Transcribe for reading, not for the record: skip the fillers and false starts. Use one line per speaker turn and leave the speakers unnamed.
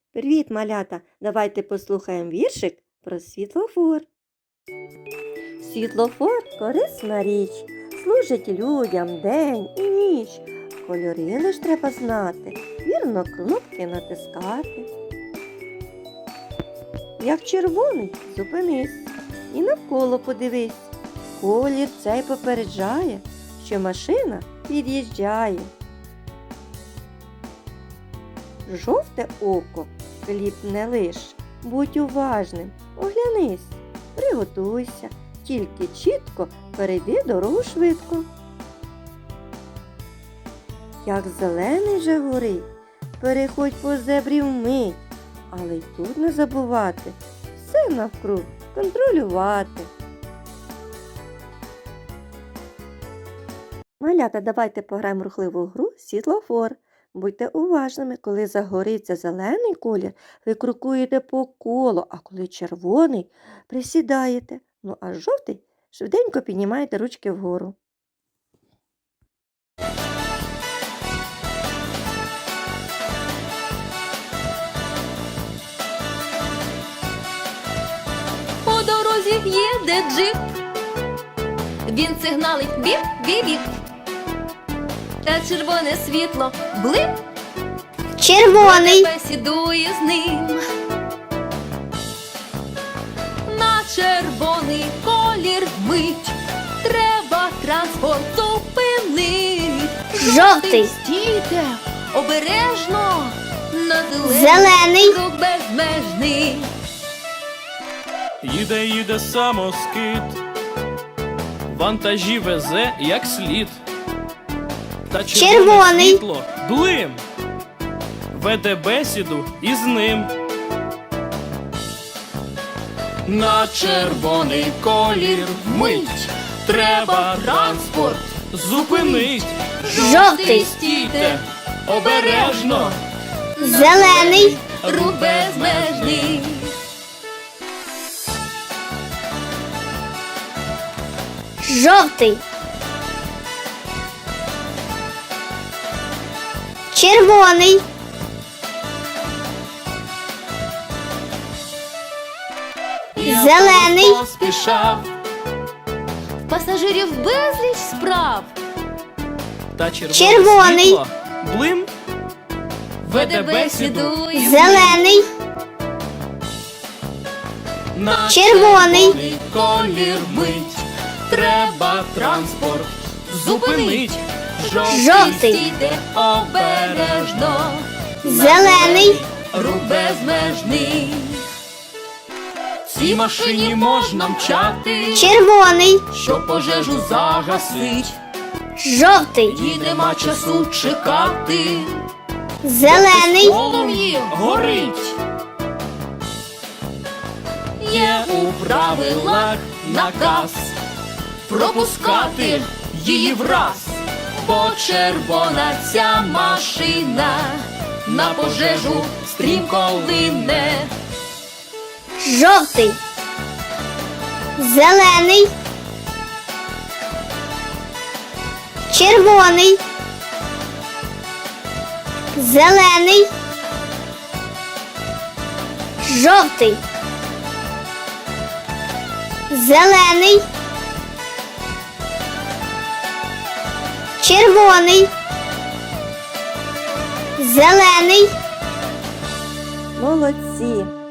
Привіт, малята! Давайте послухаємо віршик про світлофор. Світлофор – корисна річ, служить людям день і ніч. Кольори лиш треба знати, вірно кнопки натискати. Як червоний – зупинись і навколо подивись. Колір цей попереджає, що машина під'їжджає. Жовте око хліб не лиш, будь уважним, оглянись, приготуйся, тільки чітко перейди дорогу швидко. Як зелений вже горить, переходь по зебрі вмить, але й тут не забувати все навкруг контролювати. Малята, давайте пограємо в рухливу гру «Світлофор». Будьте уважними, коли загориться зелений колір, ви крокуєте по колу, а коли червоний, присідаєте. Ну а жовтий швиденько піднімаєте ручки вгору.
По дорозі їде джип, він сигналить біп-біп-біп. Та червоне світло блип,
червоний,
бесідує з ним. На червоний колір мить, треба транспорт зупинить.
Жовтий.
Стійте, обережно, на
Зелений.
рух безмежний.
Їде самоскид, вантажі везе як слід. Та
Червоний.
світло блим, веде бесіду із ним. На червоний колір мить, треба транспорт зупинить.
Жовтий.
Стійте, обережно,
зелений,
Рух безмежний.
жовтий, червоний, зелений,
поспішав,
Пасажирів безліч справ,
та червоне
Червоний.
світло блим, веде бесіду
бесідує.
зелений,
на
Червоний.
колір мить, треба транспорт зупинить.
Жовтий.
Стійте обережно,
зелений,
рух безмежний.
Цій машині можна мчати,
червоний,
що пожежу загасить.
жовтий,
І нема часу чекати,
зелений,
полум'ї горить. Є у правилах наказ пропускати її враз, бо червона ця машина на пожежу стрімко лине.
жовтий, зелений, червоний, зелений, жовтий, зелений, червоний, зелений,
Молодці!